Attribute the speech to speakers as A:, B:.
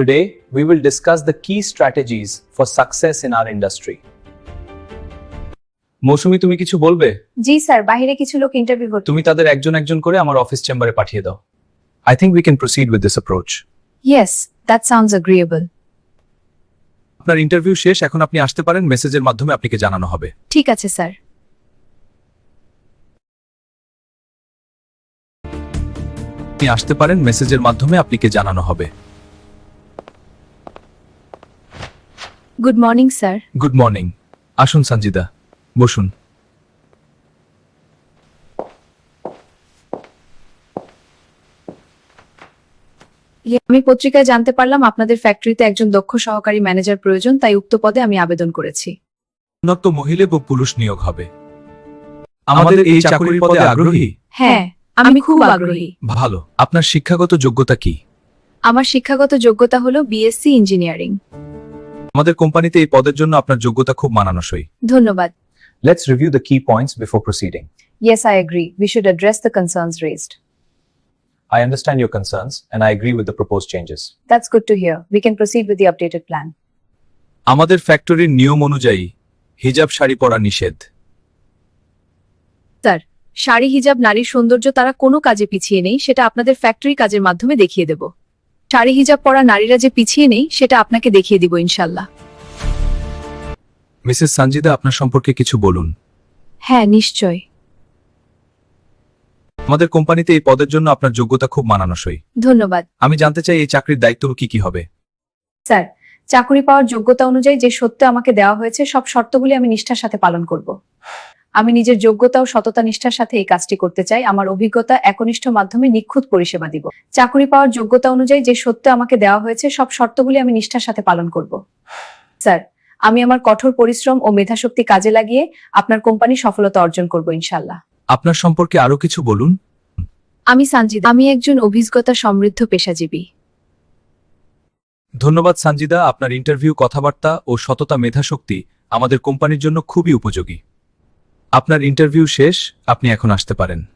A: Today, we will discuss the key strategies for success in our industry. মৌসুমী, তুমি কিছু বলবে?
B: জি sir, বাইরে কিছু লোক ইন্টারভিউ করতে।
A: তুমি তাদের একজন একজন করে আমার অফিস চেম্বারে পাঠিয়ে দাও। I think we can proceed with this approach.
B: Yes, that sounds agreeable.
A: আপনার ইন্টারভিউ শেষ, এখন আপনি আসতে পারেন, মেসেজের মাধ্যমে আপনাকে জানানো হবে।
B: ঠিক আছে স্যার।
A: আপনি আসতে পারেন, মেসেজের মাধ্যমে আপনাকে জানানো হবে।
B: Good morning sir.
A: Good morning. আসুন সঞ্জিদা, বসুন।
B: আমি পত্রিকায় জানতে পারলাম আপনাদের ফ্যাক্টরিতে একজন দক্ষ সহকারী ম্যানেজার প্রয়োজন, তাই উক্ত পদে আমি আবেদন করেছি।
A: উন্নত মহিলা ও পুরুষ নিয়োগ হবে। আমাদের এই চাকরির পদে আগ্রহী?
B: হ্যাঁ, আমি খুব আগ্রহী।
A: ভালো। আপনার শিক্ষাগত যোগ্যতা কি?
B: আমার শিক্ষাগত যোগ্যতা হলো বিএসসি ইঞ্জিনিয়ারিং।
A: আমাদের কোম্পানিতে এই পদের জন্য আপনার যোগ্যতা খুব মানানসই।
B: ধন্যবাদ।
A: Let's review the key points before proceeding.
B: Yes, I agree. We should address the concerns raised.
A: I understand your concerns and I agree with the proposed changes.
B: That's good to hear. We can proceed with the updated plan.
A: আমাদের ফ্যাক্টরির নিয়ম অনুযায়ী হিজাব শাড়ি পরা নিষেধ।
B: Sir, sari হিজাব নারীর সৌন্দর্য, তারা কোনো কাজে পিছিয়ে নেই, সেটা আপনাদের ফ্যাক্টরি কাজের মাধ্যমে দেখিয়ে দেব। শাড়ি হিজাব পরা নারীরা যে পিছিয়ে নেই, সেটা আপনাকে দেখিয়ে দিব ইনশাল্লাহ।
A: মিসেস সঞ্জিদা, আপনার সম্পর্কে কিছু বলুন।
B: হ্যাঁ, নিশ্চয়।
A: আমাদের কোম্পানিতে এই পদের জন্য আপনার যোগ্যতা খুব মানানসই।
B: ধন্যবাদ।
A: আমি জানতে চাই এই চাকরির দায়িত্ব কি কি হবে?
B: স্যার, চাকরি পাওয়ার যোগ্যতা অনুযায়ী যে সত্য আমাকে দেওয়া হয়েছে, সব শর্তগুলি আমি নিষ্ঠার সাথে পালন করব। আমি নিজের যোগ্যতা ও সততা নিষ্ঠার সাথে এই কাজটি করতে চাই। আমার অভিজ্ঞতা একনিষ্ঠ মাধ্যমে নিখুঁত পরিষেবা দিব। চাকরি পাওয়ার যোগ্যতা অনুযায়ী যে সত্য আমাকে দেওয়া হয়েছে, সব শর্তগুলি আমি নিষ্ঠার সাথে পালন করব। স্যার, আমি আমার কঠোর পরিশ্রম ও মেধাশক্তি কাজে লাগিয়ে আপনার কোম্পানি সফলতা অর্জন করব ইনশাল্লাহ।
A: আপনার সম্পর্কে আরো কিছু বলুন।
B: আমি সঞ্জিদা, আমি একজন অভিজ্ঞতা সমৃদ্ধ পেশাজীবী।
A: ধন্যবাদ সঞ্জিদা, আপনার ইন্টারভিউ, কথাবার্তা ও সততা মেধাশক্তি আমাদের কোম্পানির জন্য খুবই উপযোগী। আপনার ইন্টারভিউ শেষ, আপনি এখন আসতে পারেন।